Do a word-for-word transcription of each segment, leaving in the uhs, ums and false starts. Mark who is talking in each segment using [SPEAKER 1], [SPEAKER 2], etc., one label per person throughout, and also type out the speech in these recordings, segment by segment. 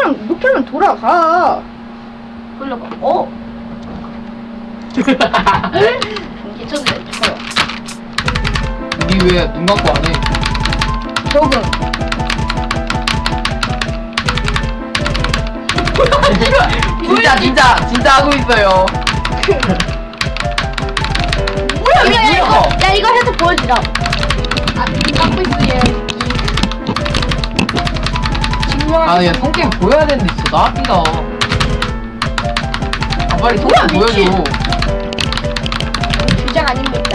[SPEAKER 1] 그냥 이렇게만 돌아가.
[SPEAKER 2] 돌려봐. 어? 괜찮네. 좋아요.
[SPEAKER 3] 니 왜 눈 감고 안 해?
[SPEAKER 1] 적응.
[SPEAKER 3] 진짜 진짜 진짜 하고 있어요.
[SPEAKER 2] 뭐야,
[SPEAKER 3] 이거
[SPEAKER 2] 야, 야,
[SPEAKER 3] 뭐야?
[SPEAKER 2] 이거, 야, 이거 해서 보여주자. 아, 깎고 있어, 얘.
[SPEAKER 3] 아, 얘 성격 보여야 되는데 진짜 나왔다. 아, 빨리 성격
[SPEAKER 2] 뭐야, 미친.
[SPEAKER 3] 보여줘.
[SPEAKER 2] 주장 아닙니다.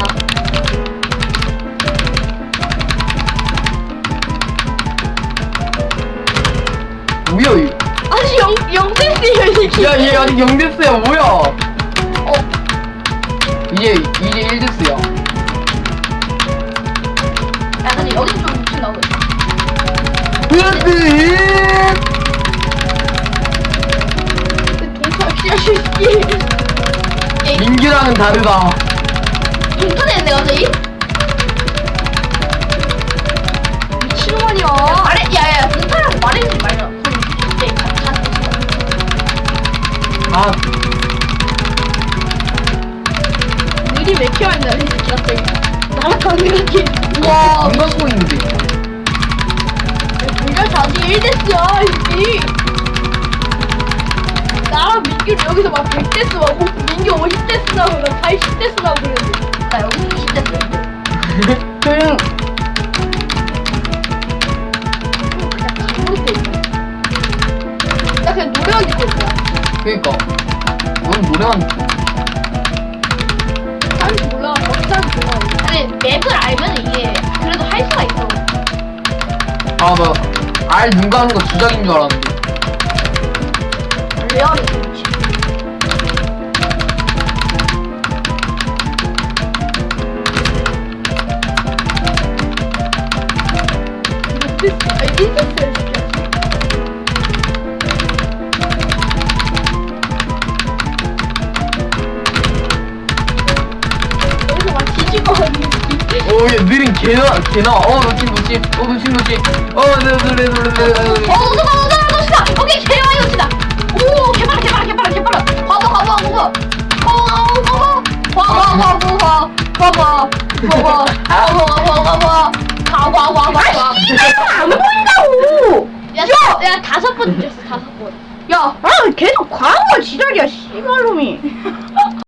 [SPEAKER 3] 뭐야, 이.
[SPEAKER 2] 아니, 영, 영대스요, 이 새끼.
[SPEAKER 3] 야, 얘 아직 영 데스야, 뭐야?
[SPEAKER 2] 어,
[SPEAKER 3] 이제 이제 일 데스야.
[SPEAKER 2] 야, 근데 여기서 좀 미친 나오고 있어.
[SPEAKER 3] 으뜨.
[SPEAKER 2] 동사 씨앗이.
[SPEAKER 3] 민규랑은 다르다.
[SPEAKER 2] 인터넷인데, 갑자기? 미친놈아니야. 말해, 야, 야, 동사라고 말해주지 말자. 그럼 진짜 다, 다
[SPEAKER 3] 아,
[SPEAKER 2] 느리 왜 키워야 한다, 이 새끼 갑자기. 날아가는 거지.
[SPEAKER 3] 와,
[SPEAKER 2] 우와.
[SPEAKER 3] 눈 감고 있는데.
[SPEAKER 2] 불결 자지 일 데스야, 이 새끼. 나랑 민규를 여기서 막 백 데스 하고, 민규 오십 데스 나오고, 나 팔십 데스 나오고 그랬는데. 나 여기 이십 데스.
[SPEAKER 1] 조용.
[SPEAKER 2] 그냥 잘못돼 있네. 나 그냥 노래하기 때문이야.
[SPEAKER 3] 그니까. 넌 노래만.
[SPEAKER 2] 사람이 몰라, 어떤 사람이 몰라. 아니, 맵을 알면 이게 그래도 할 수가 있어.
[SPEAKER 3] 아, 나, 알 눈 감는 거 주작인 줄 알았는데.
[SPEAKER 2] 레알이 그렇지. 아니, 일 데스야, 진짜. 여기서 막 뒤집어 가지고.
[SPEAKER 3] 오, 얘 느린 개나, 개나. 어, 놓친, 놓친. 어, 놓친, 놓친. 어, 노래, 노래, 노래, 노래, 노래.
[SPEAKER 2] 어, 너다, 너다, 너다, 오케이, 개와 이거치다. 오, 개빨라, 개빨라, 개빨라, 개빨라. 봐봐, 봐봐, 봐봐. 어, 봐봐. 봐봐, 봐봐, 봐봐. 봐봐. 봐봐. 봐봐, 봐봐, 봐봐. 봐봐, 봐봐, 봐봐.
[SPEAKER 1] 안 보인다고.
[SPEAKER 2] 야, 야, 야, 다섯 번 줬어, 다섯 번.
[SPEAKER 1] 야, 아 계속 과한 걸 지랄이야, 씨발놈이.